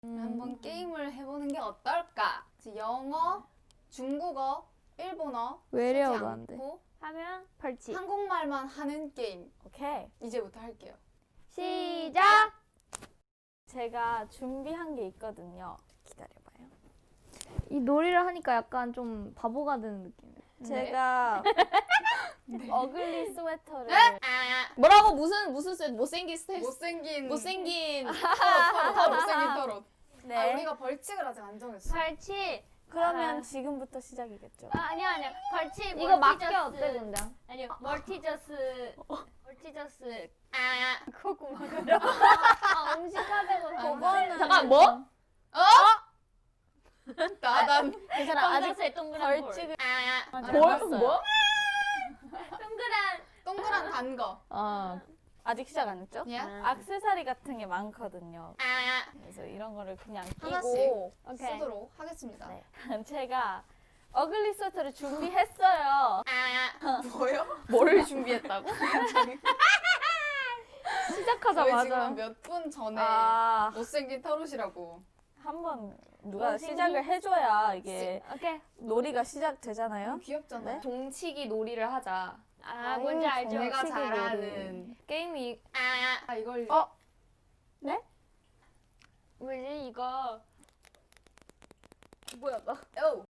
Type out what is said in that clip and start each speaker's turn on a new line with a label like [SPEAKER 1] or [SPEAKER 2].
[SPEAKER 1] 한번 게임을 해보는 게 어떨까? 영어, 중국어, 일본어
[SPEAKER 2] 외래어도
[SPEAKER 1] 쓰지
[SPEAKER 2] 안 돼.
[SPEAKER 1] 않고
[SPEAKER 3] 하면 벌칙.
[SPEAKER 1] 한국말만 하는 게임
[SPEAKER 3] 오케이.
[SPEAKER 1] 이제부터 할게요.
[SPEAKER 3] 시작! 제가 준비한 게 있거든요. 기다려봐요.
[SPEAKER 2] 이 놀이를 하니까 약간 좀 바보가 되는 느낌이에요.
[SPEAKER 3] 제가 어글리 스웨터를
[SPEAKER 2] 뭐라고 무슨 셋 못생긴 스텝
[SPEAKER 1] 못생긴
[SPEAKER 2] 못생긴
[SPEAKER 1] 더 못생긴 토론.
[SPEAKER 3] 네.
[SPEAKER 1] 아, 우리가 벌칙을 아직 안 정했어.
[SPEAKER 4] 벌칙.
[SPEAKER 3] 그러면 지금부터 시작이겠죠.
[SPEAKER 4] 아니야. 벌칙.
[SPEAKER 2] 이거 맞게
[SPEAKER 4] 멀티저스.
[SPEAKER 2] 어때 근데?
[SPEAKER 4] 아니요. 멀티저스.
[SPEAKER 3] 코구멍으로.
[SPEAKER 4] 음식하자고.
[SPEAKER 3] 그거는
[SPEAKER 2] 잠깐 뭐?
[SPEAKER 1] 나단
[SPEAKER 3] 괜찮아. 아직
[SPEAKER 4] 동그랗게 동그란
[SPEAKER 3] 벌칙을
[SPEAKER 2] 뭐?
[SPEAKER 4] 동그란.
[SPEAKER 1] 동그란 단 거.
[SPEAKER 3] 아직 시작 안 했죠?
[SPEAKER 1] 예?
[SPEAKER 3] 액세서리 같은 게 많거든요. 그래서 이런 거를 그냥
[SPEAKER 1] 하나씩.
[SPEAKER 3] 끼고
[SPEAKER 4] 오케이.
[SPEAKER 1] 쓰도록 하겠습니다.
[SPEAKER 3] 네. 제가 어글리 스웨터를 준비했어요.
[SPEAKER 1] 뭐요?
[SPEAKER 2] 뭐를 준비했다고?
[SPEAKER 1] 저희
[SPEAKER 2] 시작하자마자
[SPEAKER 1] 지금 몇 분 전에
[SPEAKER 3] 아,
[SPEAKER 1] 못생긴 타롯이라고.
[SPEAKER 3] 한번 누가
[SPEAKER 4] 못생긴-
[SPEAKER 3] 시작을 해줘야 이게
[SPEAKER 4] 오케이.
[SPEAKER 3] 놀이가 시작되잖아요.
[SPEAKER 1] 너무 귀엽잖아.
[SPEAKER 3] 네?
[SPEAKER 2] 동치기 놀이를 하자.
[SPEAKER 4] 아, 뭔지 알죠?
[SPEAKER 1] 내가
[SPEAKER 3] 동치기
[SPEAKER 1] 잘하는.
[SPEAKER 2] 게임이
[SPEAKER 1] 아 이걸
[SPEAKER 4] 뭐지 이거?
[SPEAKER 2] 뭐야 나
[SPEAKER 1] 오